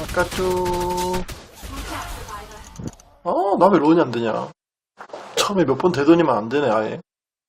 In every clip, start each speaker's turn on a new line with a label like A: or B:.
A: 까쭈. 나 왜 론이 안 되냐. 처음에 몇 번 되더니만 안 되네, 아예.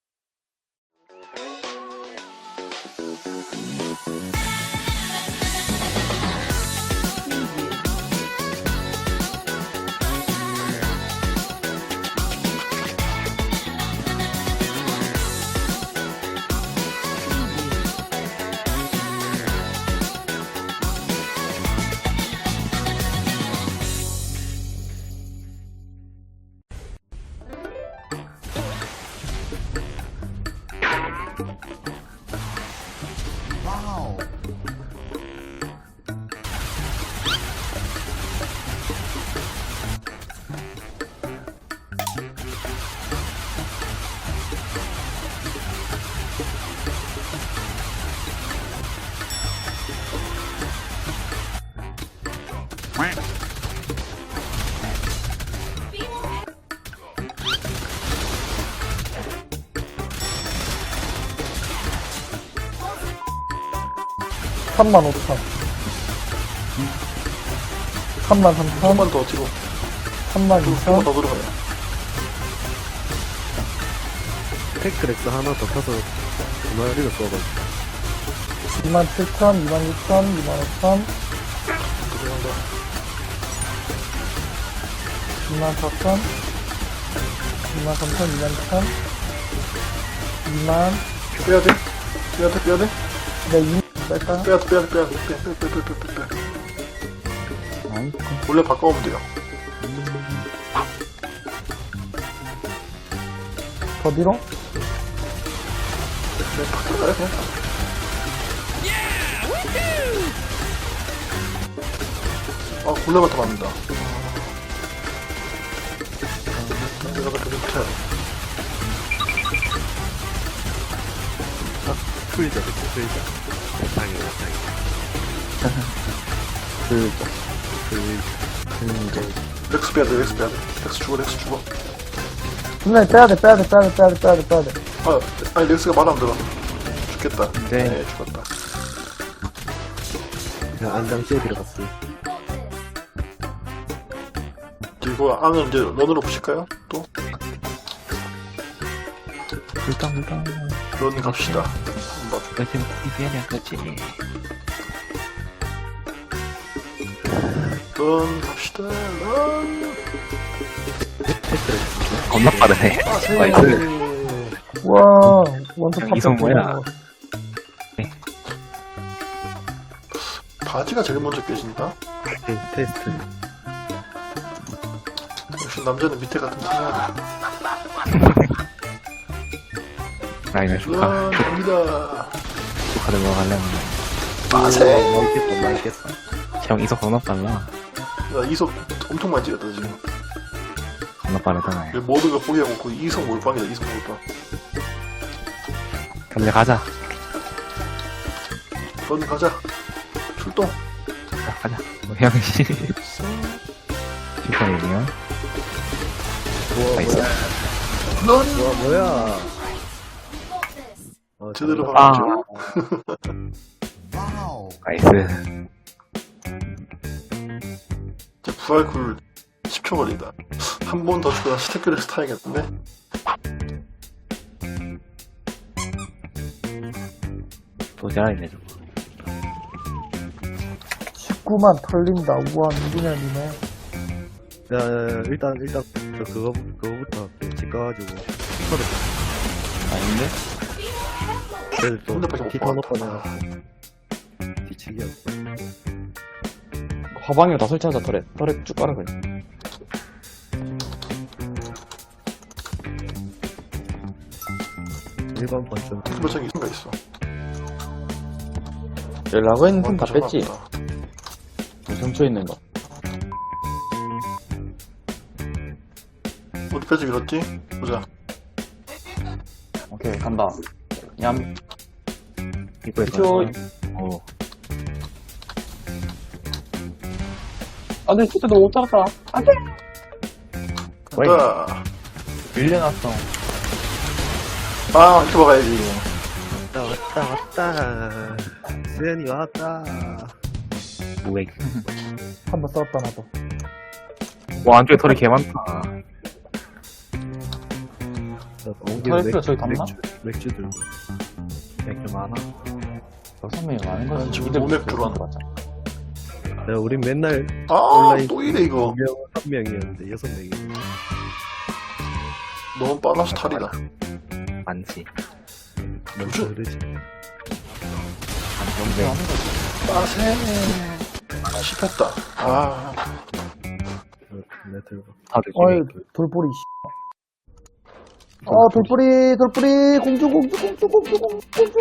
B: 삼만 5천 3만 3천
A: 조금만 더 뒤로.
B: 3만
A: 조금만
B: 2천
A: 더 들어가요.
C: 테크렉스 하나 더 켜서 두마리를 써가지고
B: 2만 7천 2만 6천 2만 5천
A: 들어간다.
B: 2만 4천 2만 3천 2만 2천 2만
A: 빼야 돼? 빼야 돼? 빼야 돼?
B: 네 2만 뺄까요?
A: 빼야 돼? 빼야 돼? 빼야 돼? 빼. 원래 바꿔오면 돼요.
B: 더 뒤로?
A: 네, 바꿔가요, 그냥. 골레가 더 맞는다. 내가 더 못해.
C: 풀자 당연히
A: 렉스 빼야 돼, 렉스 빼야 돼. 렉스 죽어.
B: 분명히 빼야돼
A: 아니, 렉스가 말 안 들어. 죽겠다.
C: 네.
A: 죽었다.
C: 그냥 안장시에 들어갔어.
A: 그리고 안을 이제 런으로 보실까요? 또?
D: 불당
A: 런 갑시다. 한번.
D: 요즘 TV에는 그치
A: 런 갑시다. 런.
D: 겁나 빠르네 나이스
B: 우와 원투
D: 이성 뭐야?
A: 바지가 제일 먼저 깨진다?
C: 테스트.
A: 역시 남자는 밑에 같은 거 해야
D: 라인을
A: 돼.
D: 축하
A: 런 갑니다.
D: 축하 들어가려면
A: 빠세.
C: 맛있겠다.
D: 형 이속 겁나 빨라
A: 야, 이석 엄청 많이 찍었다, 지금.
D: 겁나 빠르잖아요
A: 모든 거 포기하고 그 이석 몰빵이다, 이석 몰빵.
D: 근데 가자
A: 런 가자. 출동.
D: 가자 형씨 축하해요 나이스
A: 런!
C: 뭐야.
A: 제대로
D: 아.
A: 박았죠.
D: 나이스
A: 이제 부활쿨 10초 걸린다. 한 번 더 죽어서 스태크를 타야겠는데?
D: 도전이네 저거
B: 19만 털린다 우와 민준현이네
C: 야, 일단 그거부터 집 가가지고
D: 아닌데?
C: 그래도 또
A: 핸드폰 못
C: 피터
A: 받았다.
C: 넣고 내가 뒤치기야.
E: 화방이로 다 설치하자. 털에 쭉 깔아 그냥.
C: 일반 번쯤
A: 뭐 저기 있는가 있어.
E: 라고 있는 틈 다
A: 완전
E: 뺐지.
A: 맞다.
E: 정초에 있는 거.
A: 어디 빼지 밀었지? 보자.
E: 오케이 간다. 얌.
D: 이거에
E: 저-
D: 오
E: 안돼 진짜 너못 잡았다. 안돼.
A: 간다.
E: 밀려났어.
A: 아, 이렇게 먹어야지.
C: 왔다. 수현이 왔다.
D: 무액.
B: 한 번 싸웠다, 나도.
D: 와, 안쪽에 털이 개 많다.
E: 털엑스가 저기 갔나?
C: 맥주 들고.
D: 맥주 많아.
E: 6명이 많은
A: 난
E: 거지.
A: 지금
E: 이들
A: 노맥 들어왔네.
E: 맞아.
C: 야, 우린 맨날
A: 아,
C: 온라인
A: 또 이래, 이거.
C: 1명이었는데 6명이.
A: 너무 빨라서 탈이다.
D: 많지.
C: 뭔지 그러지.
D: 안정돼.
A: 빠세. 씹혔다. 아,
C: 내 들고.
D: 다들
B: 어이,
D: 집에
B: 돌뿌리, 씨. 돌뿌리, 공주.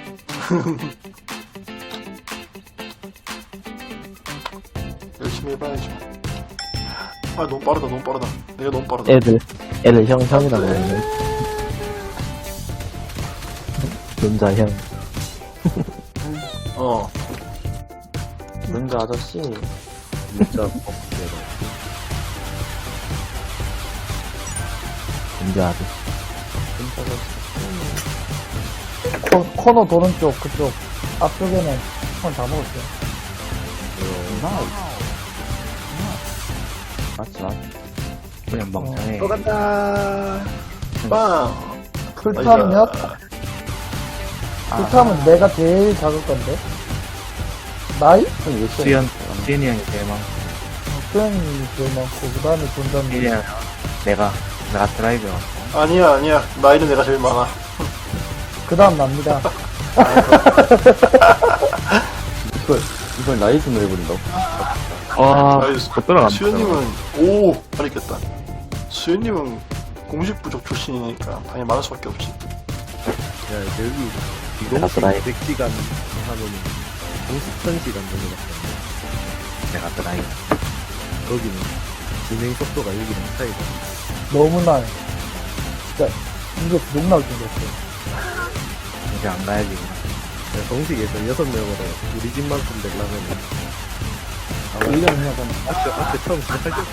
A: 열심히 해봐야죠. 아, 너무 빠르다. 내가 너무 빠르다.
D: 애들 형이라고 그러네. 눈자 형.
A: 어.
E: 문자 아저씨.
C: 진짜 뻑뻑해라.
D: 눈자 아주.
B: 코너 도는 쪽, 그쪽. 앞쪽에는 손 다 먹었어요.
E: 맞지.
D: 그냥 멍청해.
C: 또 간다.
A: 빵!
B: 풀타면 몇? 풀타면 내가 제일 작을 건데. 나이?
D: 수현이 형이 제일 많고.
B: 수현이 제일 많고, 그 다음에 존담이.
D: 수현이 형, 내가 드라이브.
A: 아니야. 나이는 내가 제일 많아.
B: 그 다음 납니다.
E: 이걸 나이 좀 해버린다고?
D: 와,
A: 나이스.
D: 곧 들어간다.
A: 수현님은, 오! 잘했겠다. 수현님은 공식 부족 출신이니까 당연히 많을 수밖에 없지.
C: 야, 여기
D: 내가
C: 비공식
D: 드라이브.
C: 100시간 하면은 공식 1000시간 정도 같다.
D: 내가 드라이브.
C: 거기는 진행 속도가 여기랑 차이가.
B: 너무나, 진짜, 이게 욕 나올 정도였어요.
D: 이제 안 가야지. 그냥.
C: 공식에서 6명으로 우리 집만큼 되려면
E: 1년 해야 되나?
C: 앞에 처음 시작할 때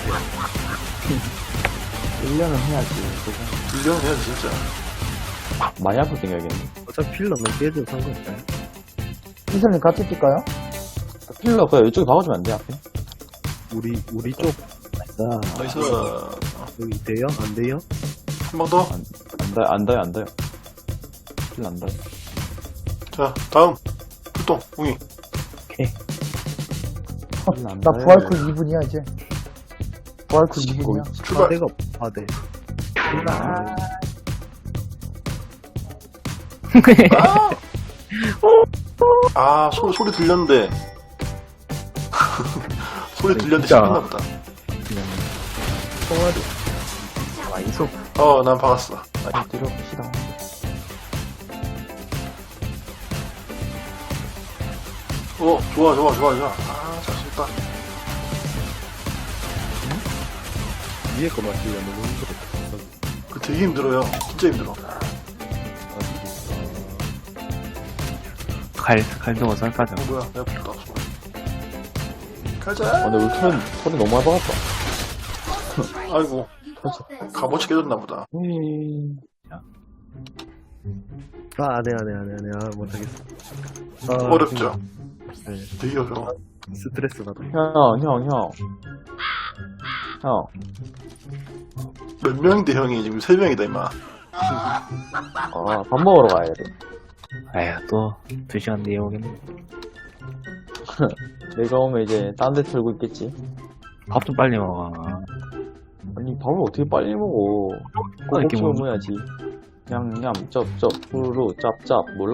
E: 1년은 해야지.
A: 1년 해야지, 진짜.
E: 많이 아플 생각이겠네.
C: 어차피 필러는 깨도 상관없어요.
B: 이슬님 같이 뛸까요?
E: 필러 그냥 이쪽에 박아주면 안 돼, 앞에?
C: 우리 쪽
A: 나이스.
C: 여기 돼요? 안 돼요?
A: 한 번 더.
E: 안 닿아요. 필러 안 닿아요.
A: 자, 다음. 불똥, 웅이.
B: 나 부활쿨 2분이야, 이제. 부활쿨 2분이야.
A: 출발.
C: 파대가 파대.
A: 아, 소리 들렸는데. 소리 들렸는데
D: 진짜.
A: 씹혔나 보다.
C: 총알이
D: 와, 이속.
A: 난 박았어.
E: 빨리 들어봅시다.
A: 좋아. 아, 잘했다.
C: 위에 거 맞추려면 너무 힘들어.
A: 그 되게 힘들어요. 진짜 힘들어.
D: 칼 두고 썰까지.
A: 뭐야, 내가 불도 없어. 가자.
E: 근데 우리 털이 너무 많이 박았다.
A: 아이고. 값어치 깨졌나 보다.
C: 네. 못하겠어.
A: 어렵죠?
C: 네.
A: 되게 어려워.
C: 스트레스 받아.
E: 형.
A: 몇 명인데 형이 지금 3명이다, 임마.
E: 밥 먹으러 가야 돼.
D: 에휴, 또 2시간 뒤에 오겠네.
E: 내가 오면 이제 딴 데 털고 있겠지.
D: 밥 좀 빨리 먹어.
E: 아니, 밥을 어떻게 빨리 먹어.
D: 이렇게
E: 꼭꼭 먹어야지. 냠냠, 쩝쩝, 후루, 짭짭, 몰라?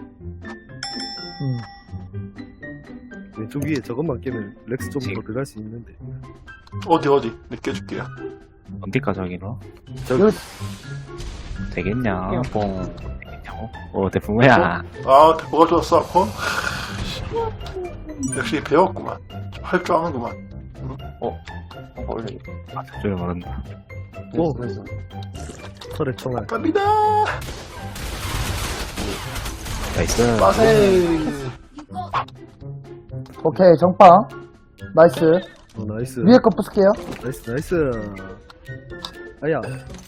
C: 왼쪽 위에 저것만 깨면 렉스 좀 더
D: 지금.
C: 들어갈 수 있는데.
A: 어디? 내가 깨줄게요.
D: 어디까지 하기로?
C: 저기
D: 되겠냐? 뽕. 되겠냐고? 대풍 뭐야?
A: 뭐가 좋았어, 아콘? 역시 배웠구만. 좀 할 줄 아는구만.
E: 원래.
D: 저를 모른다.
C: 오.
E: 그래서.
C: 털에 총알.
A: 갑니다.
D: 나이스.
A: 빠세.
B: 오케이, 정빵. 나이스.
C: 나이스.
B: 위에 거 부술게요.
C: 나이스. 아야.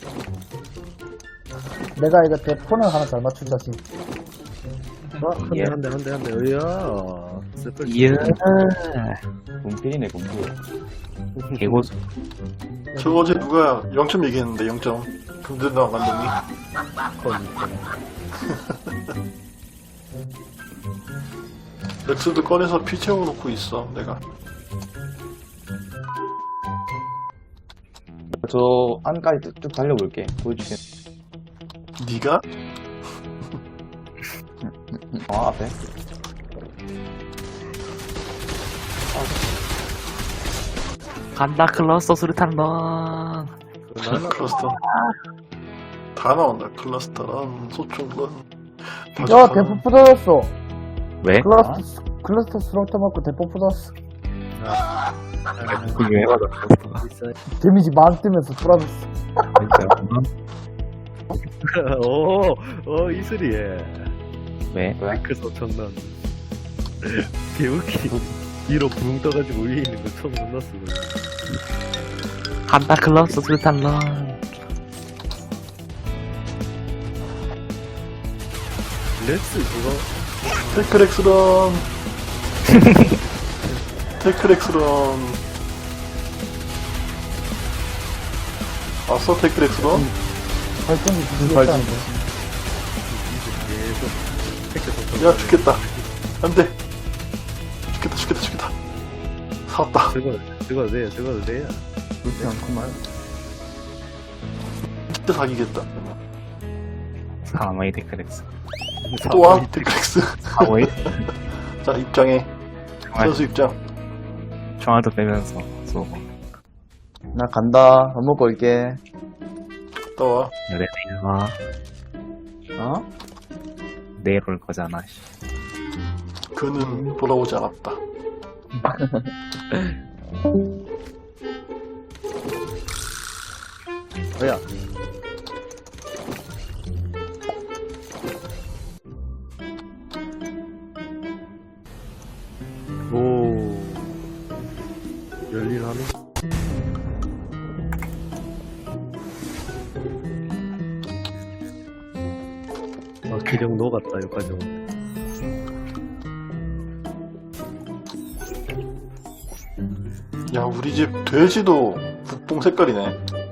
B: 내가 이거 대폰을 하나 잘 맞춘 자식.
C: 한 대. 으야. 슬플
D: 이야.
E: 군필이네, 군필.
D: 개고수.
A: 저 어제 누가 0점 얘기했는데 0점. 금전당 감독이. 렉스도 꺼내서 피 채워놓고 있어 내가.
E: 저 안까지 쭉 달려볼게. 보여주세요.
A: 네가?
E: 앞에.
D: 간다, 클러스터 수류탄 런.
A: 클러스터 다 나온다. 클러스터랑 소총건.
B: 야, 대포 부서졌어.
D: 왜?
B: 클러스터 수렁터 맞고 대포 부서졌어.
D: 그게 왜 맞아, 클러스터가.
C: 있어요.
B: 데미지 만 뜨면서 돌아졌어.
D: 진짜.
C: 이슬이에.
D: 왜?
C: 그 소천난. 개웃기. 뒤로 붕 떠가지고 위에 있는 거 처음 만났어.
D: 간다, 클러스터 수류탄 런.
C: 렉스 그거
A: 테크렉스런. 테크렉스런. 왔어 테크렉스런?
B: 발전기 부수겠다는데.
C: 계속 택배 소천.
A: 야 죽겠다. 안돼. 죽겠다. 살았다.
C: 죽어도 돼요.
B: 그렇지 않구만.
A: 진짜 사기겠다.
D: 사마이 데크렉스.
A: 또와 테크렉스.
D: 사마이?
A: 자 입장해. 선수 입장.
D: 총알도 빼면서 쏘고.
E: 나 간다. 밥 먹고 올게.
A: 갔다 와.
D: 내일 와.
E: 어?
D: 내일 올 거잖아, 씨.
A: 그는 돌아오지 않았다.
C: 뭐야? 오. 열일하네. 기령 녹았다, 여기까지 오면.
A: 야 우리 집 돼지도 북봉 색깔이네.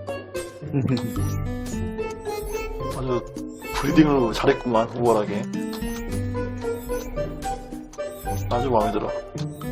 A: 아주 브리딩을 잘했구만. 우월하게. 아주 마음에 들어.